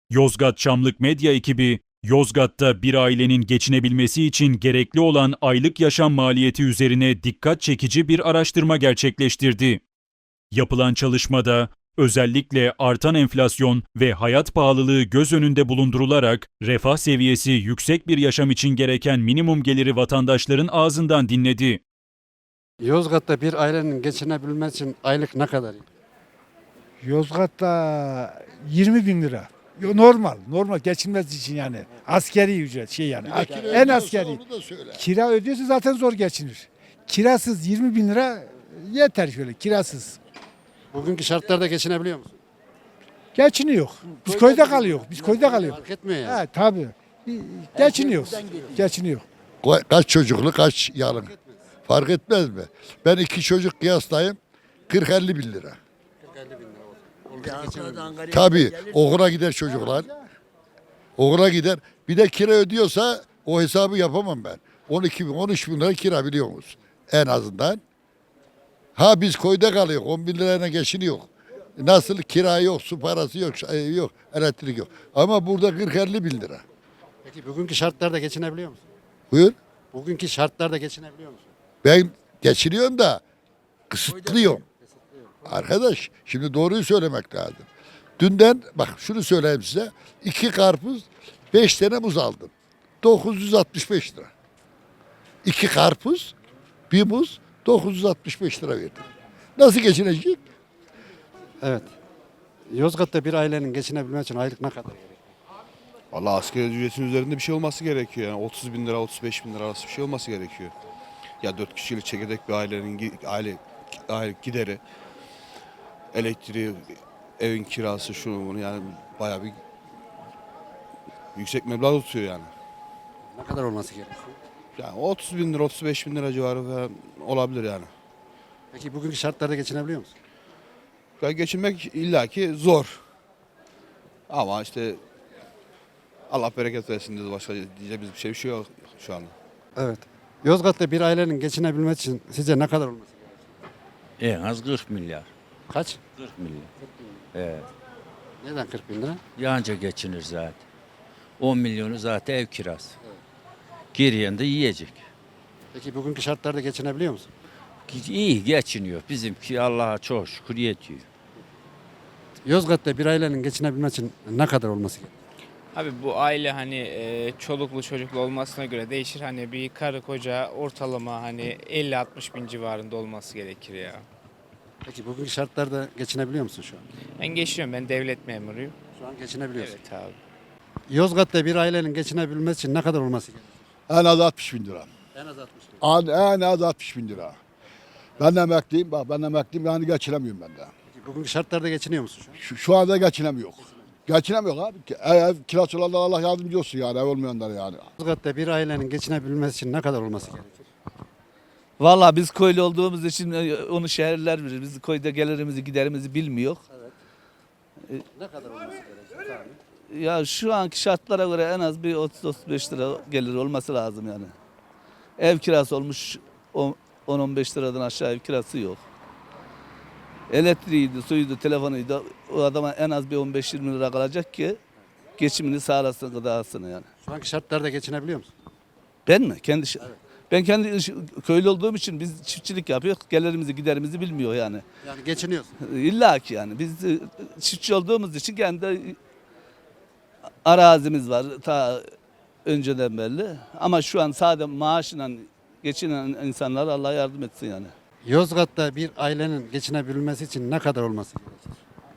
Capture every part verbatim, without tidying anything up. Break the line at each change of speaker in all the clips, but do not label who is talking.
Yozgat Çamlık Medya ekibi, Yozgat'ta bir ailenin geçinebilmesi için gerekli olan aylık yaşam maliyeti üzerine dikkat çekici bir araştırma gerçekleştirdi. Yapılan çalışmada özellikle artan enflasyon ve hayat pahalılığı göz önünde bulundurularak refah seviyesi yüksek bir yaşam için gereken minimum geliri vatandaşların ağzından dinledi.
Yozgat'ta bir ailenin geçinebilmesi için aylık ne kadar?
Yozgat'ta yirmi bin lira. Yo, normal, normal geçinmesi için yani. Askeri ücret şey yani.
Bir de kira
En
ödüyorsa
askeri.
onu da söyle.
Kira ödüyorsa zaten zor geçinir. Kirasız yirmi bin lira yeter şöyle kirasız.
Bugünkü şartlarda geçinebiliyor musun?
Geçiniyor. Biz köyde kalıyor. Biz köyde kalıyor.
Fark etmiyor yani.
He tabii. Geçiniyor. Geçiniyor.
Ka- Kaç çocuklu kaç yarın. Fark etmez mi? Ben iki çocuk kıyaslayayım. kırk elli bin lira. Tabii okula gider çocuklar. Okula gider. Bir de kira ödüyorsa o hesabı yapamam ben. on iki bin, on üç bin lira kira biliyor musun? En azından. Ha biz koyda kalıyor. on bin lirayla geçiniyor. Nasıl kira yok, su parası yok, şey yok, elektrik yok. Ama burada kırk elli bin lira.
Peki bugünkü şartlarda geçinebiliyor musun?
Buyur.
Bugünkü şartlarda geçinebiliyor musun?
Ben geçiriyorum da kısıtlıyorum. Arkadaş şimdi doğruyu söylemek lazım. Dünden bak şunu söyleyeyim size. iki karpuz beş tane muz aldım. dokuz yüz altmış beş lira. İki karpuz bir muz dokuz yüz altmış beş lira verdim. Nasıl geçinecek?
Evet. Yozgat'ta bir ailenin geçinebilmesi için aylık ne kadar gerekiyor?
Valla asgari ücretin üzerinde bir şey olması gerekiyor. Yani otuz bin lira, otuz beş bin lira arası bir şey olması gerekiyor. Ya dört kişilik çekirdek bir ailenin gi- aile, aile gideri, elektriği, evin kirası, şunu bunu yani bayağı bir yüksek meblağ tutuyor yani.
Ne kadar olması gerekiyor?
Yani otuz bin lira, otuz beş bin lira civarı falan olabilir yani.
Peki bugünkü şartlarda geçinebiliyor musun?
Ya geçinmek illaki zor. Ama işte Allah bereket versin diyoruz, başka diyeceğimiz bir şey, bir şey yok şu anda.
Evet. Yozgat'ta bir ailenin geçinebilmesi için sizce ne kadar olması gerekiyor?
En az kırk milyar.
Kaç?
kırk milyar. Evet.
Neden kırk bin lira?
Yanca geçinir zaten. on milyonu zaten ev kirası. Geriyen de yiyecek.
Peki bugünkü şartlarda geçinebiliyor musun?
İyi geçiniyor. Bizimki Allah'a çok şükür yetiyor.
Yozgat'ta bir ailenin geçinebilmesi için ne kadar olması gerekiyor?
Abi bu aile hani e, çoluklu çocuklu olmasına göre değişir. Hani bir karı koca ortalama hani elli altmış bin civarında olması gerekir ya.
Peki bugünkü şartlarda geçinebiliyor musun şu an?
Ben geçiyorum, ben devlet memuruyum.
Şu an geçinebiliyorsun.
Evet abi.
Yozgat'ta bir ailenin geçinebilmesi için ne kadar olması gerekiyor?
En az altmış bin lira.
En az altmış bin.
En, en az altmış bin lira. Ben de emekliyim. Bak ben de emekliyim. Yani geçinemiyorum ben de.
Peki bugünkü şartlarda geçiniyor musun şu an?
Şu, şu anda geçinemiyor. Geçinemiyor abi. Ev, ev kirası olanlar Allah yardımcı olsun yani. Ev olmayanlar yani.
Yozgat'ta bir ailenin geçinebilmesi için ne kadar olması gerekiyor?
Valla biz köylü olduğumuz için e, onu şehirler bilir. Biz köyde gelirimizi giderimizi bilmiyor.
Ne kadar olması gerekiyor?
Ya şu anki şartlara göre en az bir otuz otuz beş lira gelir olması lazım yani. Ev kirası olmuş on on beş liradan aşağı ev kirası yok. Elektriğiydi, suyuydu, telefonuydu. O adama en az bir on beş yirmi lira kalacak ki geçimini sağlasın, gıdasını yani.
Şu anki şartlarda geçinebiliyor musun?
Ben mi? Kendi şi- Ben kendi iş- köylü olduğum için biz çiftçilik yapıyoruz. Gelirimizi giderimizi bilmiyor yani.
Yani geçiniyorsun.
İlla ki yani biz e, çiftçi olduğumuz için kendi arazimiz var ta önceden belli. Ama şu an sadece maaşla geçinen insanlar Allah yardım etsin yani.
Yozgat'ta bir ailenin geçinebilmesi için ne kadar olması gerekiyor?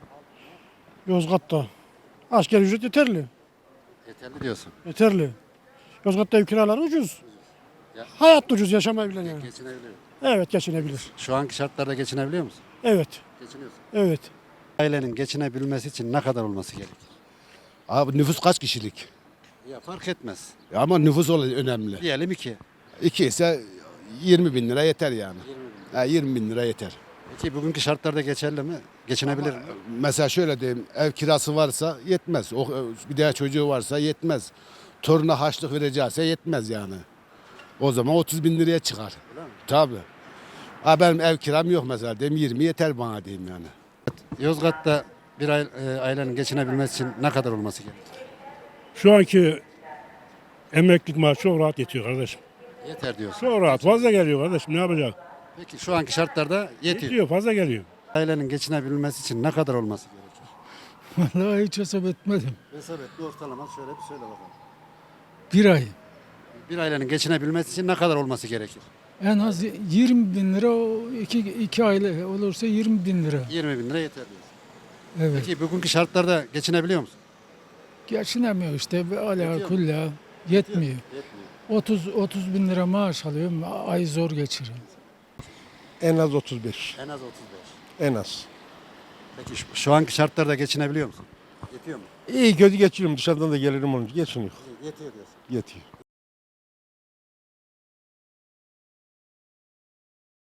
Yozgat'ta asgari ücret yeterli.
Yeterli diyorsun.
Yeterli. Yozgat'ta ev kiraları ucuz.
Ya-
Hayat da ucuz yaşamayabilen yani.
Geçinebiliyor.
Evet geçinebilir.
Şu anki şartlarda geçinebiliyor musun?
Evet.
Geçiniyorsun.
Evet.
Ailenin geçinebilmesi için ne kadar olması gerekir?
Abi nüfus kaç kişilik?
Ya fark etmez.
Ama nüfus ol- önemli.
Diyelim iki.
İki ise yirmi bin lira yeter yani. Ha, yirmi bin lira yeter.
Peki bugünkü şartlarda geçerli mi? Geçinebilir mi?
Mesela şöyle diyeyim, ev kirası varsa yetmez. O, bir daha çocuğu varsa yetmez. Toruna harçlık verecekse yetmez yani. O zaman otuz bin liraya çıkar. Tabii. Ha benim ev kiram yok mesela diyeyim yirmi yeter bana diyeyim yani.
Yozgat'ta bir aile, e, ailenin geçinebilmesi için ne kadar olması gerekir?
Şu anki emeklilik maaşı çok rahat yetiyor kardeşim.
Yeter diyorsun.
Çok rahat. Fazla geliyor kardeşim. Ne yapacak?
Peki şu anki şartlarda yetiyor.
Yetiyor. Fazla geliyor.
Ailenin geçinebilmesi için ne kadar olması gerekir?
Vallahi hiç hesap etmedim.
Hesap et, bir ortalama şöyle bir söyle bakalım.
Bir ay.
Bir ailenin geçinebilmesi için ne kadar olması gerekir?
En az yirmi bin lira, o iki, iki aile olursa yirmi bin lira.
yirmi bin lira yeter diyorsun.
Evet.
Peki bugünkü şartlarda geçinebiliyor musun?
Geçinemiyor işte. Ala
Yetiyor mu?
kulla yetmiyor.
Yetmiyor.
otuz otuz bin lira maaş alıyorum. Ay zor geçiriyor.
En az otuz beş.
En az otuz beş.
En az.
Peki şu, şu anki şartlarda geçinebiliyor musun? Yetiyor mu?
İyi kötü geçiriyorum. Dışarıdan da gelirim onun. Geçiniyor.
Yetiyor diyorsun.
Yetiyor.